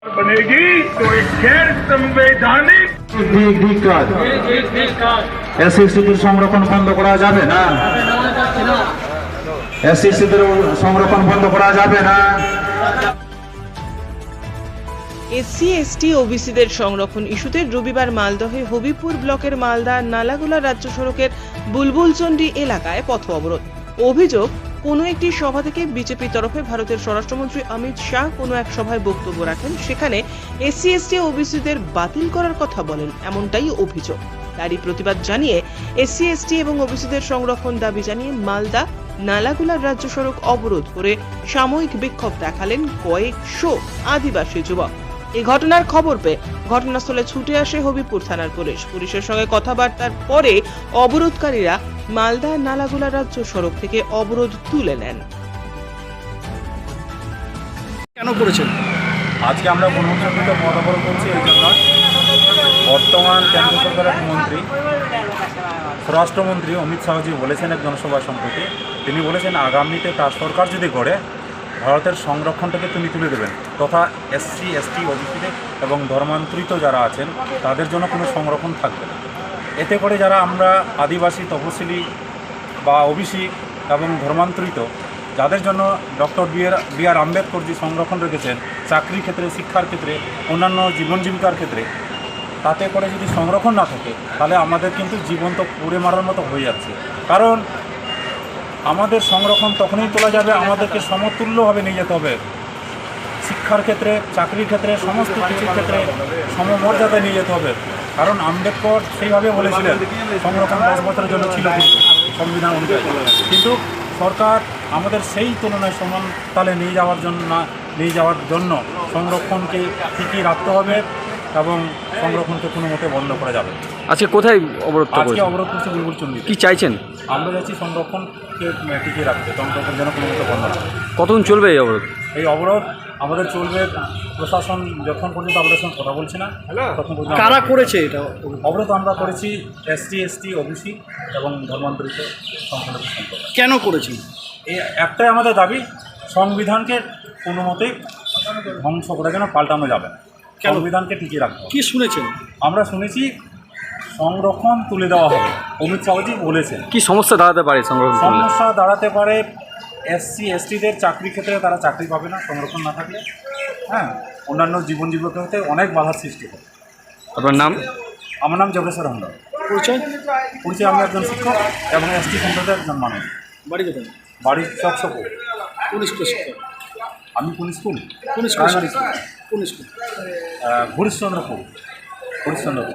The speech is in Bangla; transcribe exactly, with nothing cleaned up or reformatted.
बनेगी तो एक गैर संवैधानिक এসসি এসটিদের সংরক্ষণ বন্ধ করা যাবে না এসসি এসটিদের সংরক্ষণ বন্ধ করা যাবে না এসসি এসটি ওবিসিদের সংরক্ষণ ইস্যুতে রবিবার মালদহে হবিপুর ব্লকের মালদা নালাগোলা রাজ্য সড়কের বুলবুলচন্ডি এলাকায় পথ অবরোধ। অভিযোগ, কোনো একটি সভা থেকে বিজেপির তরফে ভারতের স্বরাষ্ট্রমন্ত্রী অমিত শাহ কোনো এক সভায় বক্তব্য রাখেন, সেখানে এসসি এসটি ওবিসিদের বাতিল করার কথা বলেন, এমনটাই অভিযোগ। তারই প্রতিবাদ জানিয়ে এসসি এসটি এবং ওবিসিদের সংরক্ষণ দাবি জানিয়ে মালদা নালাগোলার রাজ্য সড়ক অবরোধ করে সাময়িক বিক্ষোভ দেখালেন কয়েকশো আদিবাসী যুবক। এই ঘটনার খবর পেয়ে ঘটনাস্থলে ছুটে আসে হবিপুর থানার পুলিশ। পুলিশের সঙ্গে কথাবার্তার পরে অবরোধকারীরা মালদা নালাগোলা রাজ্য সড়ক থেকে অবরোধ তুলে নেন। কেন করেছেন? আজকে আমরা গণতন্ত্র পথ অবরোধ করছি এই জন্য, বর্তমান কেন্দ্র সরকারের মন্ত্রী স্বরাষ্ট্রমন্ত্রী অমিত শাহজি বলেছেন এক জনসভা সম্প্রতি, তিনি বলেছেন আগামীতে তার সরকার যদি গড়ে ভারতের সংরক্ষণটাকে তিনি তুলে দেবেন, তথা এসসি এসটি ওবিসিদের এবং ধর্মান্তরিত যারা আছেন তাদের জন্য কোনো সংরক্ষণ থাকবে না। এতে করে যারা আমরা আদিবাসী, তপশিলি বা ওবিসি এবং ধর্মান্তরিত, যাদের জন্য doctor B R B R Ambedkar যে সংরক্ষণ রেখেছেন চাকরির ক্ষেত্রে, শিক্ষার ক্ষেত্রে, অন্যান্য জীবন জীবিকার ক্ষেত্রে, তাতে করে যদি সংরক্ষণ না থাকে তাহলে আমাদের কিন্তু জীবন তো পুড়ে মারার মতো হয়ে যাচ্ছে। কারণ আমাদের সংরক্ষণ তখনই তোলা যাবে, আমাদেরকে সমতুল্যভাবে নিয়ে যেতে হবে। শিক্ষার ক্ষেত্রে, চাকরির ক্ষেত্রে, সমস্ত কিছুর ক্ষেত্রে সমমর্যাদায় নিয়ে যেতে হবে। কারণ আম্বেদকর সেইভাবে বলেছিলেন সংরক্ষণ দশ বছরের জন্য ছিল কিন্তু সংবিধান অনুযায়ী, কিন্তু সরকার আমাদের সেই তুলনায় সমান তালে নিয়ে যাওয়ার জন্য না নিয়ে যাওয়ার জন্য সংরক্ষণকে ঠিকই রাখতে হবে এবং সংরক্ষণকে কোনো মতে বন্ধ করা যাবে। আজকে কোথায় অবরোধ? আজকে অবরোধ করছে বুলবুলচন্ডি। কি চাইছেন? আমরা যাচ্ছি সংরক্ষণকে টিকিয়ে রাখতে, সংরক্ষণ যেন কোনো মতে বন্ধ না। কতদিন চলবে এই অবরোধ? এই অবরোধ আমাদের চলবে, প্রশাসন যখন পর্যন্ত আমাদের সঙ্গে কথা বলছে না তখন পর্যন্ত। কারা করেছে এটা অবরোধ আমরা করেছি এসটি এসটি ওবিসি এবং ধর্মান্তরিত সম্প্রদায় সম্প্রদায়। কেন করেছি? এই একটাই আমাদের দাবি, সংবিধানকে কোনো মতেই ধ্বংস করে যেন পাল্টানো যাবে না, সংবিধানকে টিকিয়ে রাখতে হবে। কি শুনেছেন? আমরা শুনেছি সংরক্ষণ তুলে দেওয়া হবে, অমিত শাহজি বলেছেন। কি সমস্যা দাঁড়াতে পারে সংরক্ষণ? সমস্যা দাঁড়াতে পারে এসসি এসটিদের চাকরির ক্ষেত্রে তারা চাকরি পাবে না সংরক্ষণ না থাকলে, হ্যাঁ, অন্যান্য জীবন জীবিকাতে অনেক বাধার সৃষ্টি হবে। আপনার নাম? আমার নাম যোগেশ্বর হামদার। পরিচয়? পরিচয় আমি একজন শিক্ষক এবং এসটি সম্প্রদায়ের একজন মানুষ। বাড়ি কোথায়? বাড়ির চকসপুর। কোন স্কুল শিক্ষক? আমি কোন স্কুল? কোন স্কুল? Primary school. কোন স্কুল? হরিশ্চন্দ্রপুর। হরিশ্চন্দ্রপুর